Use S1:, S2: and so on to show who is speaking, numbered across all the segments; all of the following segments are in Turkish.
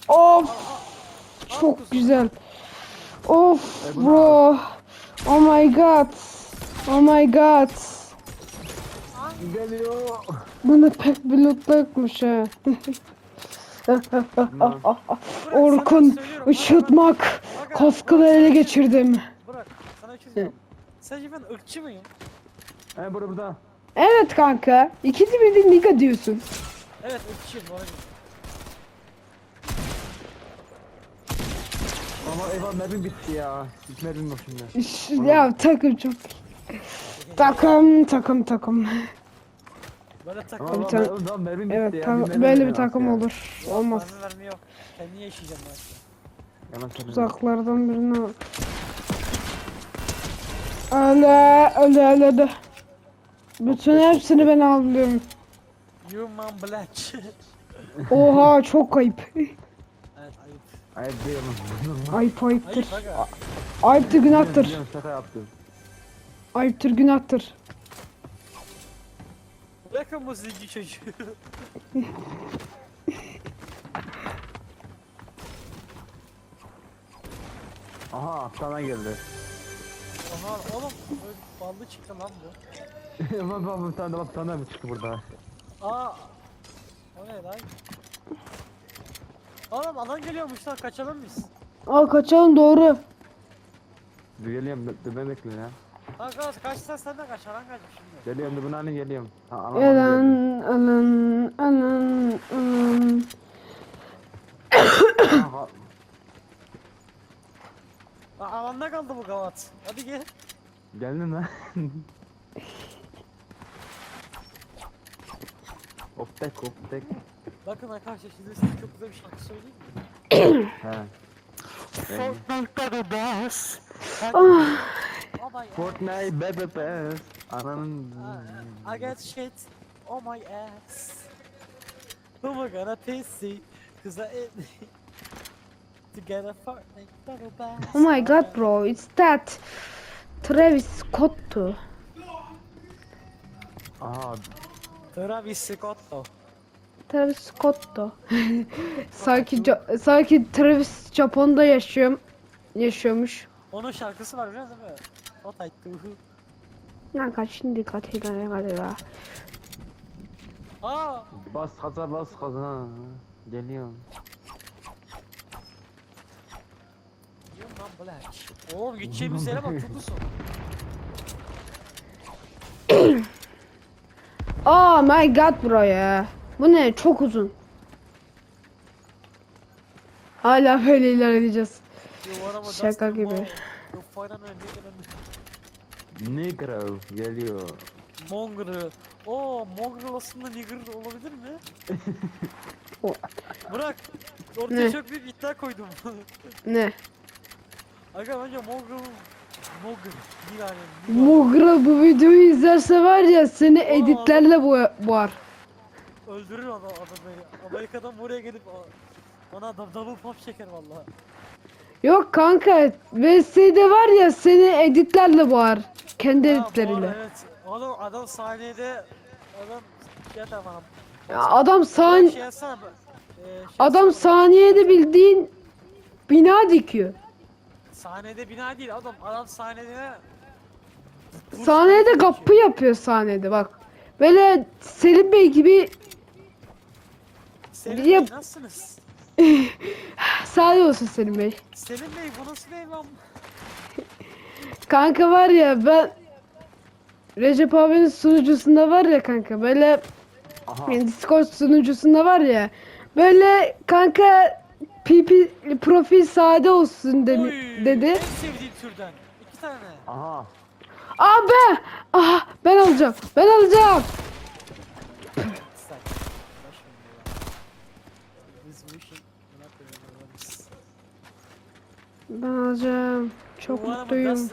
S1: Of. Çok güzel. Of bro. Oh my god. Oh my god.
S2: Geliyor.
S1: Bunda pek bir loot yokmuş ha. Orkun ışıtmak. Kaskını ele geçirdim.
S3: Bırak sana bir şey söyleyeyim. Sence ben ırkçı mıyım?
S2: Burada.
S1: Evet kanka. İkisi birden niga diyorsun.
S3: Evet ırkçıyım bu arada.
S2: Ama eyvah mermim bitti ya. Hiç mermim yok şimdi.
S1: Ya takım çok. Takım.
S3: Böyle takım.
S2: Ama
S1: tane-
S2: mermim bitti
S1: Evet
S2: ya.
S1: böyle
S2: mermim
S1: bir takım
S2: ya.
S1: olur. Olmaz.
S3: Verme yok. Kendi yaşayacağım ben.
S2: Yalan söyleme.
S1: Uzaklardan birine bak. Öyle. Bütün hepsini ben alıyorum.
S3: Human Black.
S1: Oha çok ayıp.
S3: Evet ayıp.
S2: Hayır diyorum.
S1: Ayıptır.
S3: Ayıp aga.
S1: Ayıptır günahtır.
S2: Biliyorum, şaka yaptım.
S1: Ayıptır günahtır.
S3: Bırakın bu zenci çocuğu.
S2: Aha aptaldan geldi.
S3: Aha oğlum böyle ballı çıktı lan bu.
S2: Bak bir tane mi çıktı burada?
S3: Aa. O ne lan? Oğlum adam geliyormuş lan kaçalım biz.
S1: Aa kaçalım doğru.
S2: Dur geliyorum ben bekle ya.
S3: Kanka kaçsan sen de kaç alan kaçmış şimdi.
S2: Geliyorum dur bunlarla geliyorum. Ha,
S1: Alan.
S2: Aha,
S3: Aa, alanda kaldı bu gavat. Hadi gel.
S2: geldin mi? Hop tek.
S3: Bakın arkadaşlar şimdi size çok güzel bir şarkı söyleyeyim mi?
S2: He.
S3: Fortnite'da the best. Oh my
S2: Fortnite baby pass. Ananın.
S3: I got shit on my ass. Who am I gonna piss cause I to get a Fortnite battle pass.
S1: Oh my god bro, it's that Travis Scott'tu.
S2: Aha
S3: Travis Scott'to.
S1: Travis Scott'tu. sanki Travis Japon'da yaşıyormuş.
S3: Onun şarkısı var biliyor musun? Fortnite.
S1: Lan kaç şimdi dikkat edin galiba.
S3: Aa.
S2: bas kaza. Geliyorum.
S3: Human Black. Oğlum gideceğimiz yere bak çok uzun.
S1: Oh my god bro ya. Bu ne? Çok uzun. Hala böyle ilerleyeceğiz. Şaka gibi.
S2: Negro geliyor.
S3: Mongrel. Oo, Mongrel aslında nigger olabilir mi?
S1: O-
S3: Bırak.
S1: Ne?
S3: Ortaya çok büyük iddia koydum.
S1: Ne?
S3: Aga bence Mongrel. Yani.
S1: Mugra bu videoyu izlerse var ya seni editlerle boğar.
S3: Öldürür adam beni. Amerika'dan buraya gelip bana double pop çeker vallahi.
S1: Yok kanka VS'de var ya seni editlerle boğar. Kendi
S3: Ha, bu
S1: editleriyle.
S3: arada evet. Oğlum adam sahnede şey tamam.
S1: Ya adam
S3: Şey yazsana.
S1: adam
S3: yazsana.
S1: saniyede bildiğin bina dikiyor.
S3: Sahnede bina değil adam sahnede
S1: Sahnede kapı yapıyor sahnede bak. Böyle Selim Bey gibi
S3: Selim
S1: Yap.
S3: Bey nasılsınız?
S1: sade olsun Selim Bey.
S3: Selim Bey bu nasıl bir ev lan?
S1: Kanka var ya ben Recep abinin sunucusunda var ya kanka böyle
S2: Aha.
S1: yani Discord sunucusunda var ya böyle kanka PP profil sade olsun
S3: Oy,
S1: dedi.
S3: En sevdiğim türden. 2 tane.
S2: Aha.
S1: Abi ben alacağım.
S3: Sen. Biz bu işin ne yapıyoruz?
S1: Ben alacağım. Çok mutluyum.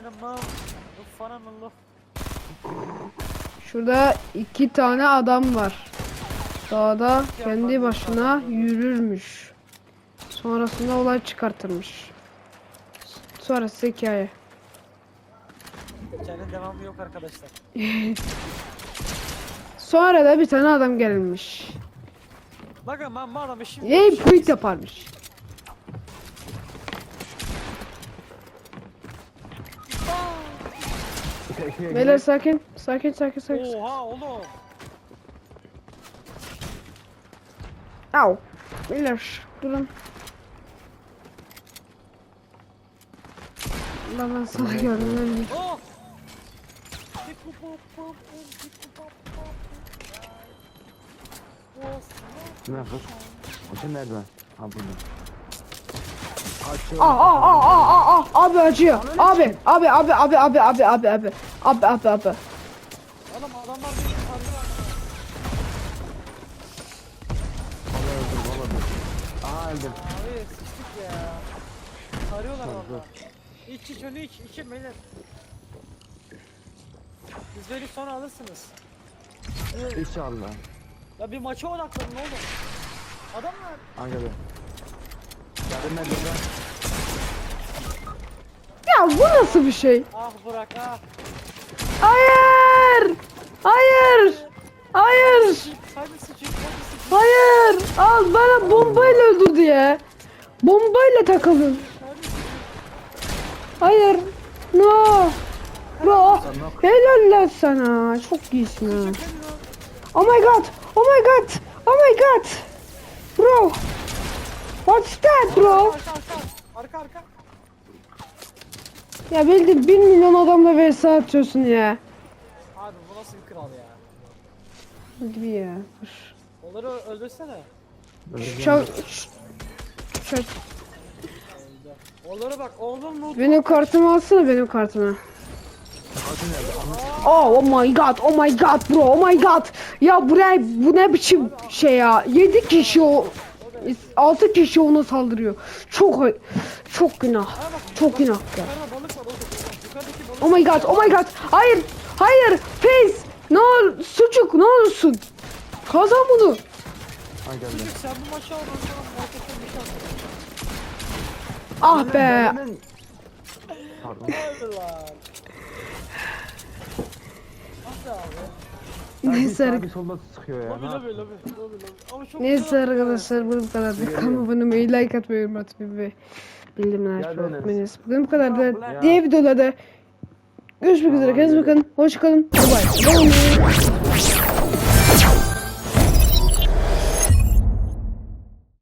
S1: Şurada 2 tane adam var. Dağda kendi başına yürürmüş. Sonrasında olay çıkartırmış. Sonrası hikaye.
S3: Hikayenin devamı yok arkadaşlar.
S1: Sonra da bir tane adam gelmiş.
S3: Bakın ben bu adamı şimdi...
S1: Yey puit yaparmış. Beyler sakin. Sakin sakin sakin.
S3: Oha oğlum.
S1: Au. Beyler durun. Ben sana gördüm.
S3: Oh.
S2: Ne kız? O şey nerede? Ha burada.
S1: Abi acıyor. Abi. Abi.
S3: Oğlum adamlar beni sardılar.
S2: Aa öldüm.
S3: Abi sıçtık ya. Sarıyorlar valla. İç onu iç. İçin beyler. Siz beni sonra alırsınız.
S2: İnşallah.
S3: Ya bir maça odaklanın oğlum. Adamlar.
S2: Hangi be? Yardım nerede lan?
S1: Ya bu nasıl bir şey?
S3: Ah Burak ah.
S1: Hayır. Hayır. Hayır.
S3: Hadi sıçın hadi sıçın.
S1: Hayır. Al bana bombayla öldürdü ya. Bombayla takıldın.
S3: Hadi sıçın.
S1: Hayır. No. Bro. Helal lan sana. Çok iyisin ha.
S3: Hadi lan.
S1: Oh my god. Oh my god. Oh my god. Bro. What's that bro?
S3: Arka arka.
S1: Ya bildiğin 1 milyon adamla vs atıyorsun ya.
S3: Abi bu nasıl bir kral ya?
S1: Hadi bir ya.
S3: Onları öldürsene.
S1: Çok.
S3: Onlara bak oğlum loot.
S1: Benim kartımı alsana benim kartımı. Oh my god, oh my god bro, oh my god. Ya buraya bu ne biçim şey ya? 7 kişi o 6 kişi ona saldırıyor. Çok günah. Çok günah ya.
S3: Yukarıda balık var oğlum. Yukarıdaki balık.
S1: Oh my god, oh my god. Hayır, hayır. Face. Ne ol, sucuk ne olursun. Kazan bunu.
S2: Ha geldi.
S3: Çocuk sen bu maçı al ben sana marketten bir şey atayım.
S1: Ah be.
S2: Pardon.
S3: Hadi lan. Hadi abi.
S1: Neyse,
S2: Bir solda sıkıyor ya.
S3: Lobi
S2: Ne
S3: lobi
S2: yapayım?
S3: lobi lobi lobi. Ama çok
S1: neyse
S3: güzel atıyor.
S1: arkadaşlar bu kadar. Kanalıma abone olmayı, like atmayı, yorum atmayı ve bildirimleri
S2: Gel
S1: açmayı
S2: Enes.
S1: unutmayınız. Bugün bu kadar da
S2: Ya.
S1: diğer videolarda görüşmek üzere. Kendinize bakın. Hoşçakalın. Bye bye.